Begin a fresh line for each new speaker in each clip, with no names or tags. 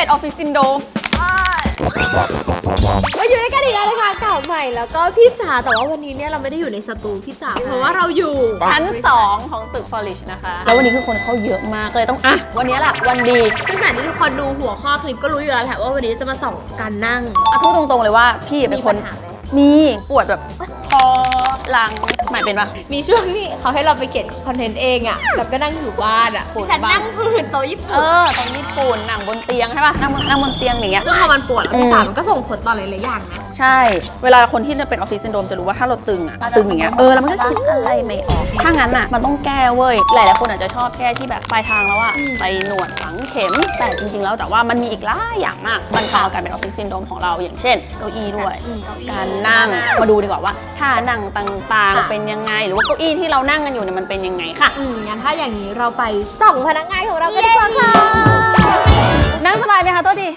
เป็นออฟฟิศซินโดรม
มาอยู่ด้วยกันอีกแล้วนะคะเก่าใหม่แล้วก็พี่จ๋าแต่ว่าวันนี้เนี่ยเราไม่ได้อยู่ในสตูพี่จ๋าเพราะว่าเราอยู่
ชั้น2ของตึกฟอริชนะคะแล้ววันนี้คือคนเข้าเยอะมากเลยต้องวันนี้แหละวันดี
ซึ่งแต่ที่ทุกคนดูหัวข้อคลิปก็รู้อยู่แล้วแหละว่าวันนี้จะมาส่องการนั่ง
พูดตรงๆเลยว่าพี่เป็นคนมีปวดแบบคอหลังหมายเป็นปะ
มีช่วงนี้เขาให้เราไปเขียนคอนเทนต์เองอ่ะแบบก็นั่งอยู่บ้านอ่ะฉันนั่งพื้นโต๊ะญี่ปุ่น
โต๊ะญี่ปุ่นนั่งบนเตียงใช่ปะนั่งบนเตียงอย่างเงี้ย
ซึ่งพอมันปวดแล้วพี่จ๋ามันก็ส่งผลต่อหลายๆอย่างนะ
ใช่เวลาคนที่จะเป็นออฟฟิศซินโดรมจะรู้ว่าถ้าเราตึงอย่างเงี้ยแล้วมันก็คิดอะไรไม่ออกถ้างั้นอ่ะมันต้องแก้เว้ยหลายๆคนอาจจะชอบแก้ที่แบบปลายทางแล้วอ่ะไปหนวดฝังเข็มแต่จริงๆแล้วแต่ว่ามันมีอีกหลายอย่างมากบรรเทาอาการเป็นออฟฟิศซินโดรมของเราอย่างเช่นเก้าอี้ด้วยการนั่งมาดูดีกว่าว่าท่านั่งต่างๆเป็นยังไงหรือว่าเก้าอี้ที่เรานั่งกันอยู่เนี่ยมันเป็นยังไงค่ะ
งั้นถ้าอย่างนี้เราไปส่องพนักงานของเรากันดีกว่าค่ะ
นั่งสบายไหมคะตัวดี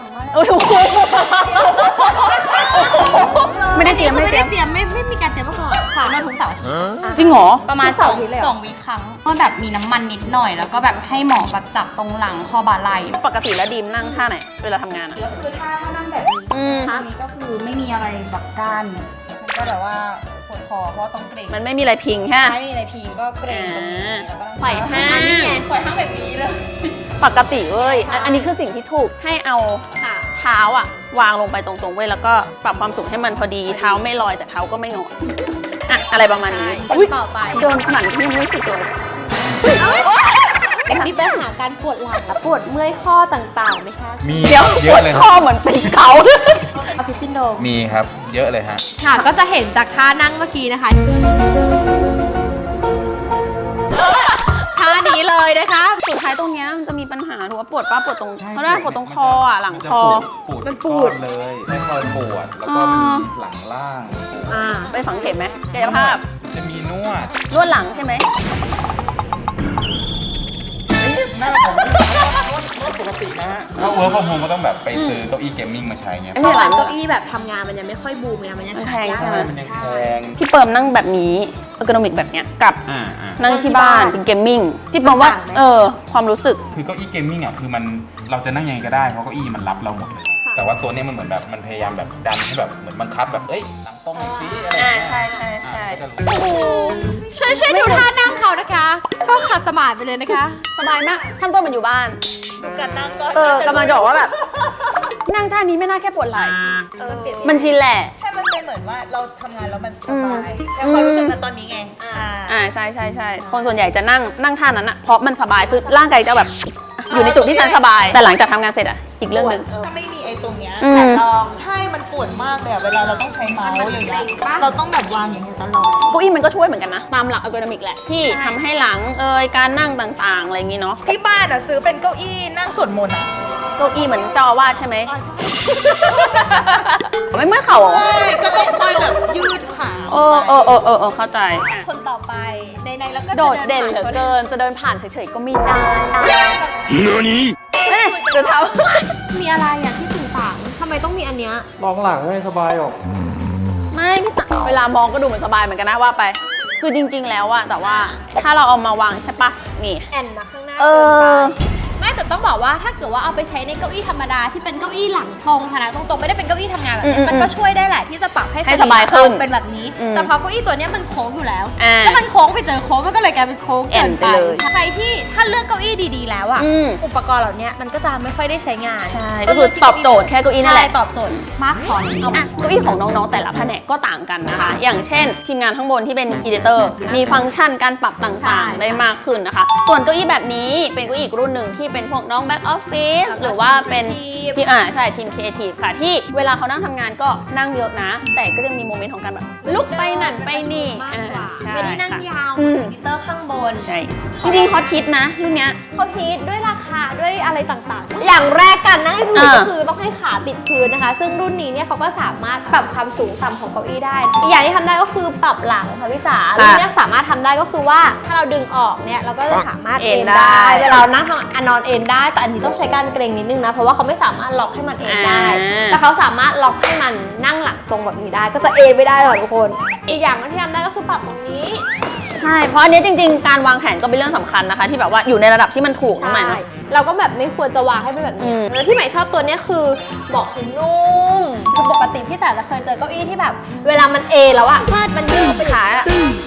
ไม่ได้เตรียม
ไม่มีการเตรียมมาก่อนค่ะ
นวดทุกเสาร์อาทิตย์
จริงเหรอ
ประมาณ2 วีคครั้งก็แบบมีน้ำมันนิดหน่อยแล้วก็แบบให้หมอแบบจับตรงหลังคอบ่าไหล่
ปกติแล้วดีมนั่งท่าไหนเวลาทำงาน
ก็คือถ้านั่งแบบนี้ท่านี้ก็คือไม่มีอะไรแบบกั้นมันก็แบบว่าปวดคอเพราะต้องเกร็ง
มันไม่มีอะไรพิงฮะ
ไม่มีอะไรพิงก็เกร็งตรงนี้แล้วก็
ไขว่ห้าง
นี่ไงไขว่ห้างแบบนี้เลย
ปกติเว้ยอันนี้คือสิ่งที่ถูกให้เอาเท้าวางลงไปตรงๆเว้ยแล้วก็ปรับความสูงให้มันพอดีเท้าไม่ลอยแต่เท้าก็ไม่งออะไรประมาณนี้
ต่อไป
โดนขนาดที่ยังไม่รู้สึกเลย
มีปัญหาการปวดหลังปวดเมื่อยข้อต่างๆไหมคะ
มีเยอะเลย
ข้อเหมือนเป็นเขา
ออฟฟิศซินโดรม
มีครับเยอะเลยฮะ
ค่ะก็จะเห็นจากท่านั่งเมื่อกี้นะคะท่านี้เลยนะคะ
สุดท้ายตรงนี้มันจะมีปัญหาถูกว่าปวดปวดตรงเขาได้ปวดตรงคอหลังคอ
มันปวดเลยไม่คอยปวดแล้วก็มีหลังล่าง
ไปฝังเข็มไหมกายภาพ
จะมีน
วดหลังใช่ไหม
หน้าผมนวดปกตินะฮะถ้าเวิร์คฟอร์มโฮมก็ต้องแบบไปซื้อเก้าอี้เกมมิ่งมาใช้เงี้ย
ตอนหลังเก้าอี้แบบทำงานมันยังไม่ค่อยบูมไงมันยัง
แพงใช่ไหม
มันยังแพง
พี่เปิมนั่งแบบนี้เออร์โกนอมิกแบบเนี้ยกับนั่งที่บ้านเป็นเกมมิ่งพี่เปิมว่าความรู้สึก
คือเก้าอี้เกมมิ่งอ่ะคือมันเราจะนั่งยังไงก็ได้เพราะเก้าอี้มันรับเราหมดเลยแต่ว่าตัวนี้มันเหมือนแบบมันพยายามแบบดันให้แบบเหมือนบังคับแบบหลังตรงซีอะไร
ใช่
ช่วยดูท่านั่งเขานะคะก็ขัดสมาธิไปเลยนะคะ
สบายมากทำตัวเหมือนอยู่บ้าน
การนั่งก็
กำลังจะบอกว่าแบบนั่งท่านี้ไม่น่าแค่ปวดไหล่มันชินแหละ
ใช่มันเป็นเหมือนว่าเราทำงานแล้วมันสบายแต่ความรู้สึกนั้นตอนนี้ไง
ใช่คนส่วนใหญ่จะนั่งท่านั้นอะเพราะมันสบายคือร่างกายจะแบบอยู่ในจุดที่ฉันสบายแต่หลังจากทำงานเสร็จอะอีกเรื่องนึง
ถ้าไม่มีไอ้ตรงเนี้ยแต่ลองใช่มันปวดมากเลยอะเวลาเราต้องใช้เมาส์อย่างเงี้ยเราต้องแบบวางอย่างเงี้ยตลอด
เก้าอี้มันก็ช่วยเหมือนกันนะตามหลักอัลกอริทึมแหละที่ทำให้หลังการนั่งต่างๆอะไรอย่างงี้เนาะ
ที่บ้านอะซื้อเป็นเก้าอี้นั่งสวดมนต์อะ
เก้าอี้เหมือนเจ้าอาวาสใช่ไหมไม่เมื่อเข่าหรอ
ก็ต้องคอยแบบยืดขา
เข้าใจ
คนต่อไปในแล้วก็
โดดเด่นเหลือเกินจะเดินผ่านเฉยๆก็ไม่ได้จะทำ
มีอะไรอย่างที่ต่างๆทำไมต้องมีอันเนี้ย
มองหลังไม่สบายหรอก
ไม่พี่ตาเวลามองก็ดูเหมือนสบายเหมือนกันนะว่าไปคือจริงๆแล้วอะแต่ว่าถ้าเราเอามาวางใช่ปะนี่
แอนมาข้างหน้าไม่แต่ต้องบอกว่าถ้าเกิดว่าเอาไปใช้ในเก้าอี้ธรรมดาที่เป็นเก้าอี้หลังตรงค่ะนะตรงๆไม่ได้เป็นเก้าอี้ทำงานแบบนี้มันก็ช่วยได้แหละที่จะปรับให้
สบายขึ้น
เป็นแบบนี้แต่พอเก้าอี้ตัวนี้มันโค้งอยู่แล้วถ้ามันโค้งไปเจอโค้งมันก็เลยกลายเป็นโค้งเกินไปใครที่ถ้าเลือกเก้าอี้ดีๆแล้วอ่ะอุปกรณ์เหล่านี้มันก็จะไม่ค่อยได้ใช้งาน
ก็คือตอบโจทย์แค่เก้าอี้นั่นแหละ
ตอบโจทย์มากพอ
เก้าอี้ของน้องๆแต่ละแผนกก็ต่างกันนะคะอย่างเช่นทีมงานข้างบนที่เป็นอีดิเตอร์มีฟังก์ชันการปรับต่างๆได้มากขึ้นนะคะส่วนเก้าอี้แบบนี้เป็นเก้าอี้อีกรุ่นหนึ่งที่เป็นพวกน้องแบ็คออฟฟิศหรือว่าเป็นทีมใช่ทีมครีเอทีฟค่ะที่เวลาเขานั่งทำงานก็นั่งเยอะนะแต่ก็จะมีโมเมนต์ของการแบบลุกไปนั่นไปนี่
ไม่ได้นั่งยาวมอนิเตอร์ข้างบน
ใช่จริงๆฮอตฮิตนะรุ่นเนี้ย
ฮอตฮิตด้วยราคาด้วยอะไรต่างๆอย่างแรกกันนั่งให้ถูกก็คือต้องให้ขาติดพื้นนะคะซึ่งรุ่นนี้เนี่ยเขาก็สามารถปรับความสูงต่ำของเก้าอี้ได้อีกอย่างที่ทำได้ก็คือปรับหลังค่ะพี่จ๋ารุ่นนี้สามารถทำได้ก็คือว่าถ้าเราดึงออกเนี่ยเราก็จะสามารถเอนได้เวลานั่งนอนเอนได้แต่อันนี้ต้องใช้การเกรงนิดนึงนะเพราะว่าเขาไม่สามารถล็อกให้มันเอนได้แต่เขาสามารถล็อกให้มันนั่งหลังตรงแบบนี้ได้ก็จะเอนไม่ได้หรอกทุกคนอีกอย่างที่ทำได้ก็คือปรับตรงนี้
ใช่เพราะอันนี้จริงๆการวางแผนก็เป็นเรื่องสำคัญนะคะ ที่แบบว่าอยู่ในระดับที่มันถูกนะใหม่เนอะ
เราก็แบบไม่ควรจะวางให้เป็นแบบนี้แล้วที่ใหม่ชอบตัวเนี้ยคือเบาะคือนุ่มคือปกติพี่จ๋าจะเคยเจอเก้าอี้ที่แบบเวลามันแล้วอะมันยืดไปขาอะ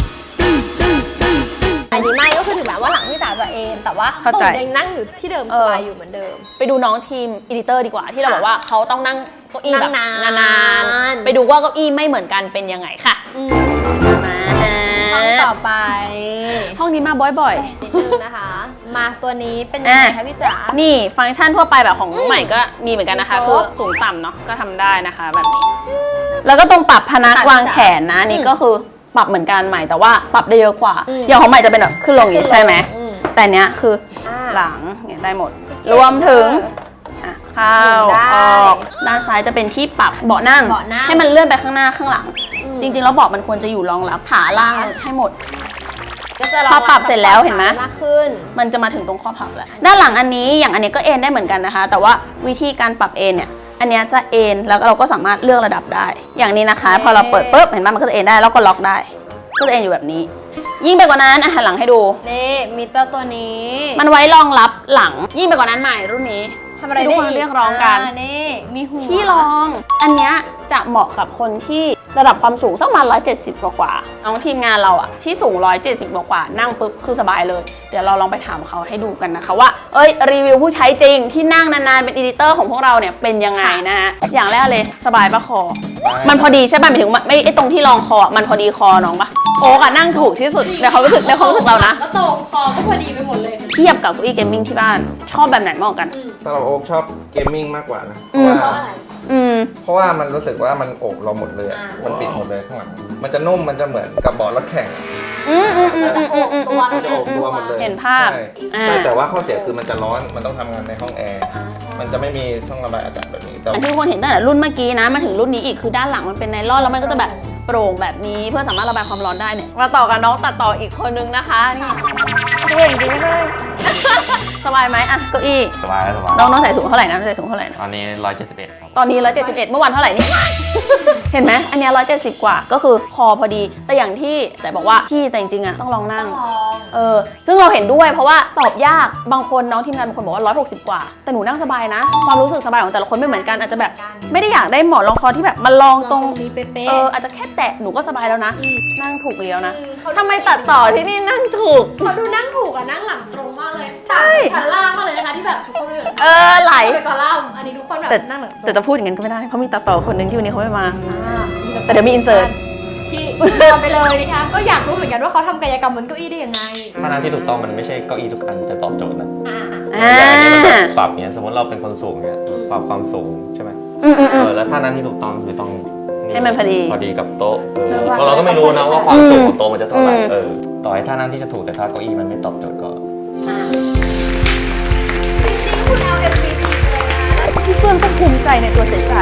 อันนี้ไม่ก็คือถึงแม้ว่าหลังพี่จ๋าจะแต่ว่าตูดยังนั่งอยู่ที่เดิมสบายอยู่เหมือนเดิม
ไปดูน้องทีมอีดิเตอร์ดีกว่าที่เราบอกว่าเขาต้องนั่งเก้าอี้แบบ
นาน
านๆไปดูว่าเก้าอี้ไม่เหมือนกันเป็นยังไงค่ะมา
ห้องต่อไป
ห้องนี้มาบ่อย
นิดนึงนะคะ มาตัวนี้เป็นยังไงคะพี่จ๋า
ๆนี่ฟังก์ชันทั่วไปแบบของน้องใหม่ก็มีเหมือนกันนะคะ
ครบ
คือสูงต่ำเนาะก็ทำได้นะคะแบบนี้ แล้วก็ตรงปรับพนักวางแขนนะนี่ก็คือปรับเหมือนกันใหม่แต่ว่าปรับได้เยอะกว่าอย่างของใหม่จะเป็นแบบขึ้นลงอย่างนี้ใช่ไหมแต่เนี้ยคือหลังเนี่ยได้หมด รวมถึงเข้าออกด้านซ้ายจะเป็นที่ปรับเบาะนั่งให้มันเลื่อนไปข้างหน้าข้างหลัง จริงๆแล้วเบาะมันควรจะอยู่รองรับขาล่างให้หมด
ก็จะ
พอปรับเสร็จแล้วเห็นไหม
มากขึ้น
มันจะมาถึงตรงข้อพับแล้วด้านหลังอันนี้อย่างอันนี้ก็เอนได้เหมือนกันนะคะ แต่ว่าวิธีการปรับเอนเนี่ยอันนี้จะเอนแล้วเราก็สามารถเลือกระดับได้ อย่างนี้นะคะ พอเราเปิดปุ๊บเห็นไหมมันก็จะเอนได้แล้วก็ล็อกได้ก็จะเอนอยู่แบบนี้ ยิ่งไปกว่านั้นหันหลังให้ดู
นี่มีเจ้าตัวนี้
มันไว้รองรับหลังยิ่งไปกว่านั้นใหม่รุ่นนี้
ทำอะไร
ทุ
ได้
กคนเรียกร้องกัน
นี่มีหัว
ที่รอง อันเนี้ยจะเหมาะกับคนที่ระดับความสูงสักประมาณ170 กว่าๆน้องทีมงานเราอะที่สูง170 กว่าๆนั่งปุ๊บคือสบายเลย เดี๋ยวเราลองไปถามเขาให้ดูกันนะคะว่ารีวิวผู้ใช้จริงที่นั่งนานๆเป็นอีดิเตอร์ของพวกเราเนี่ยเป็นยังไงนะฮะอย่างแรกเลยสบายปะคอ มันพอดีใช่ป่ะหมายถึงไม่ไอ้ตรงที่รองคอมันพอดีคอน้องปะโอ๊กอะนั่งถูกที่สุดในความรู้สึกเรานะ
ก็ตรงคอก็พอดีไปหมดเลย
เทียบกับเก้าอี้เกมมิ่งที่บ้านชอบแบบไหนมากกว่ากัน
สำหรับโอ๊คชอบเกมมิ่งมากกว่านะ เพราะว่ามันรู้สึกว่ามันโอบเราหมดเลยอะมันปิดหมดเลยข้างหลังมันจะนุ่มมันจะเหมือนกับเบาะรถแข่ง
มันจะโอบตัว
มันจะโอบตัวหมดเลย
เห็นภาพ
ใช่แต่ว่าข้อเสียคือมันจะร้อนมันต้องทำงานในห้องแอร์มันจะไม่มีช่องระบายอากาศแบบนี้แต่
อันที่ทุกคนเห็นตั้งแต่รุ่นเมื่อกี้นะมาถึงรุ่นนี้อีกคือด้านหลังมันเป็นไนลอนแล้วมันก็จะแบบโปร่งแบบนี้เพื่อสามารถระบายความร้อนได้เนี่ยมาต่อกับน้องตัดต่ออีกคนนึงนะคะนี่เท่จริงๆเลยสบายไหมอะเก้าอี้
สบายแล้วสบาย
น้องใส่สูงเท่าไหร่นะใส่สูงเท่าไหร่นะ
ตอนนี้171ครับ
ตอนนี้171เมื่อวานเท่าไหร่นี่ เห็นไหมอันเนี้ย170 กว่าก็คือคอพอดีแต่อย่างที่แต่บอกว่าพี่แต่จริงๆอะต้องลองนั่งซึ่งเราเห็นด้วยเพราะว่าตอบยากบางคนน้องทีมงานบางคนบอกว่า160 กว่าแต่หนูนั่งสบายนะความรู้สึกสบายของแต่ละคนไม่เหมือนกันอาจจะแบบไม่ได้อยากได้หมอนรองคอที่แบบมาลองตรง
นี้เป๊ะ
อาจจะแค่แตะหนูก็สบายแล้วนะนั่งถูกไปแล้วนะทำไมตัดต่อที่นี่นั่งถูก
เขาดูนั่งถูกอะนั่งหลังตรงมากเลยชั้นล่างมากเลยนะคะที่แบบทุกคนเลย
ไหล
ไปก่อนล่างอันนี้ทุกคนแบบนั่งหลังตรง
แต่จะพูดอย่างนั้นก็ไม่ได้เพราะมีตัดต่อคนหนึ่งที่วันนี้เขาไม่มาแต่เดี๋ยวมีอินเสิร์ต
ที่ทำไปเลยนะคะก็อยากรู้เหมือนกันว่าเขาทำกายกรรมบนเก้าอี้ได้ยังไง
มาทางที่ถูกต้องมันไม่ใช่เก้าอี้ทุกอันจะตอบโจทย์นะ
อ่า
อย่างนี้มันแบบปรับเนี้ยสมมติเราเป็นคนสูงเนี้ยปรับความสูงใช่ไหมแล้วท่านั้นที่ถูกต้องคือต้อง
ให้มันพอดี
กับโต๊ะเพราะเราก็ไม่รู้นะว่าความสูงของโต๊ะมันจะเท่าไหร่ต่อให้ท่านั้นที่จะถูกแต่ถ้าเก้าอี้มันไม่ตอบโจทย์ก็
จริงๆคุณ LMPT เลยนะ
พี่เฟื่องต้องภูมิใจในตัวเจ๋ใจ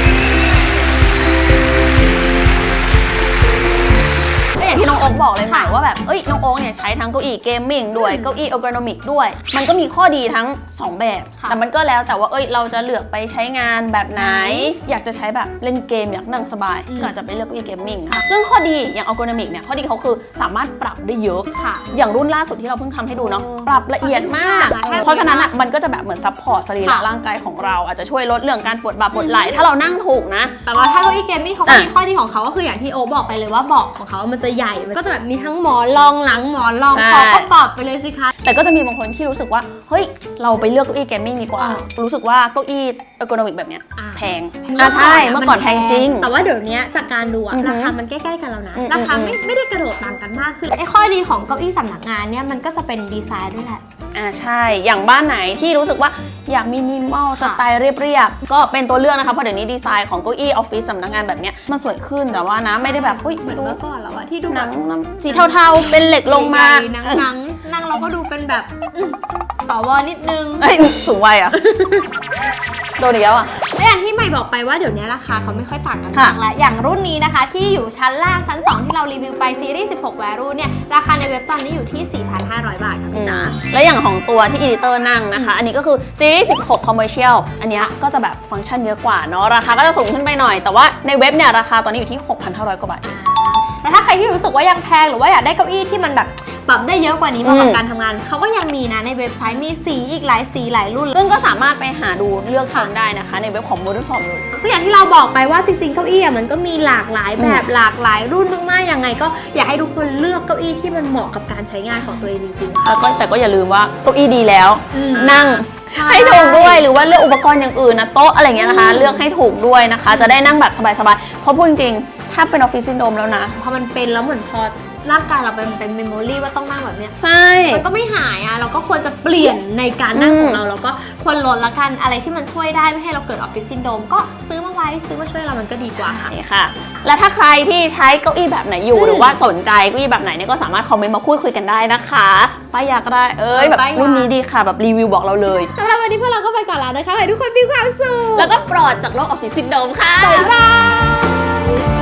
ก็อย่างที่น้องโอ๊คบอกเลยใหม่ว่าแบบน้องโอ๊คเนี่ยใช้ทั้งเก้าอี้เกมมิ่งด้วยเก้าอี้เออร์โกนอมิกด้วยมันก็มีข้อดีทั้ง2แบบแต่มันก็แล้วแต่ว่าเราจะเลือกไปใช้งานแบบไหนอยากจะใช้แบบเล่นเกมอยากนั่งสบายก็อาจจะไปเลือกเก้าอี้เกมมิ่งค่ะซึ่งข้อดีอย่างเออร์โกนอมิกเนี่ยข้อดีเขาคือสามารถปรับได้เยอะค่ะอย่างรุ่นล่าสุดที่เราเพิ่งทำให้ดูเนาะปรับละเอียดมากเพราะฉะนั้นมันก็จะแบบเหมือนซัพพอร์ตสรีระร่างกายของเราอาจจะช่วยลดเรื่องการปวดบ่าปวดไหล่ถ้าเรานั่งถูกนะ
แต่ว่าถ้าเก้าอี้เกมมิ่งเขาก็มีข้อดีของเขาก็คืออย่างที่โอบอกไปเลยว่าเบาะของเขามันจะใหญ่มันก็จะแบบมีทั้งหมอนรองหลังหมอนรองคอก็ปรับไปเลยสิคะ
แต่ก็จะมีบางคนที่รู้สึกว่าเฮ้ยเราไปเลือกเก้าอี้เกมมิ่งดีกว่ารู้สึกว่าเก้าอี้เออร์โกนอมิกแบบเนี้ยแพงใช่เมื่อก่อนแพงจริง
แต่ว่าเดี๋ยวนี้จากการดูอะราคามันใกล้ๆกันแล้วนะราคาไม่ได้กระโดดต่างกันมากคือไอ้ข้อดีของเก้าอี้สำนักงานเนี่ยมันก็จะเป็นดีไซน์ด้วยแหละ
ใช่อย่างบ้านไหนที่รู้สึกว่าอยากมินิมอลสไตล์เรียบๆก็เป็นตัวเลือกนะคะเพราะเดี๋ยวนี้ดีไซน์ของเก้าอี้ออฟฟิศสำนักงานแบบเนี้ยมันสวยขึ้นแต่ว่านะไม่ได้แบบ
เหมือน
ไม่รู้
เมื่อก่อนแล้วอะที่ดู
หนั
แบบ
งสีเทาๆเป็นเหล็กลงมา
นั่งเราก็ดูเป็นแบบสวนิดนึง
สูงวัยอ่ะ โดนอีกแล้วอ่ะ
และอย่างที่ใหม่บอกไปว่าเดี๋ยวนี้ราคาเขาไม่ค่อยต่างกันมากแล้วอย่างรุ่นนี้นะคะที่อยู่ชั้นล่างชั้น 2 ที่เรารีวิวไปซีรีส์16 Value เนี่ยราคาในเว็บตอนนี้อยู่ที่ 4,500 บาทค่ะพี่จ๋า
และอย่างของตัวที่อีดิเตอร์นั่งนะคะอันนี้ก็คือซีรีส์16 Commercial อันเนี้ยก็จะแบบฟังก์ชันเยอะกว่าเนาะราคาก็จะสูงขึ้นไปหน่อยแต่ว่าในเว็บเนี่ยราคาตอนนี้อยู่ที่ 6,500 กว่าบาท
แต่ถ้าใครที่รู้สึกว่ายังแพงหรือว่าอยากได้เก้าอี้ที่มันแบบปรับได้เยอะกว่านี้เหมาะกับการทำงานเขาก็ยังมีนะในเว็บไซต์มีสีอีกหลายสีหลายรุ่น
ซึ่งก็สามารถไปหาดูเลือกทำได้นะคะในเว็บของ Modern Form เลย
ซึ่งอย่างที่เราบอกไปว่าจริงๆเก้าอี้มันก็มีหลากหลายแบบหลากหลายรุ่นมากๆยังไงก็อยากให้ทุกคนเลือกเก้าอี้ที่มันเหมาะกับการใช้งานของตัวเองจริงๆค่ะ
แต่ก็อย่าลืมว่าเก้าอี้ดีแล้ว นั่ง
ใช่
ให้ถูกด้วยหรือว่าเลือกอุปกรณ์อย่างอื่นนะโต๊ะอะไรเงี้ยนะคะ เลือกให้ถูกด้วยนะคะ จะได้นั่งแบบสบายๆเพราะพูดจริงๆถ้าเป็นออฟฟิศซินโดรมแล้วนะ
พอมันเป็นแล้วเหมือนพอร่างกายเราเป็นเมมโมรีว่าต้องนั่งแบบเนี้ย
ใช่
มันก็ไม่หายอ่ะเราก็ควรจะเปลี่ยนในการนั่งของเราแล้วก็ควรลดละกันอะไรที่มันช่วยได้ไม่ให้เราเกิดออฟฟิศซินโดรมก็ซื้อมาไว้ซื้อมาช่วยเรามันก็ดีกว่าค่ะ
นี่ค่ะ และถ้าใครที่ใช้เก้าอี้แบบไหนอยู่หรือว่าสนใจเก้าอี้แบบไหนเนี่ยก็สามารถคอมเมนต์มาพูดคุยกันได้นะคะป้ายยาก็ได้แบบ
ป้ายยา
รุ่นนี้ดีค่ะแบบรีวิวบอกเราเลย
สำหรับวันนี้พวกเราก็ไปก่อนแล้วนะคะให้ทุกคนมีความสุข
แล้วก็ปลอดจากโรคออฟฟิศซินโดรมค่ะ
บ๊ายบาย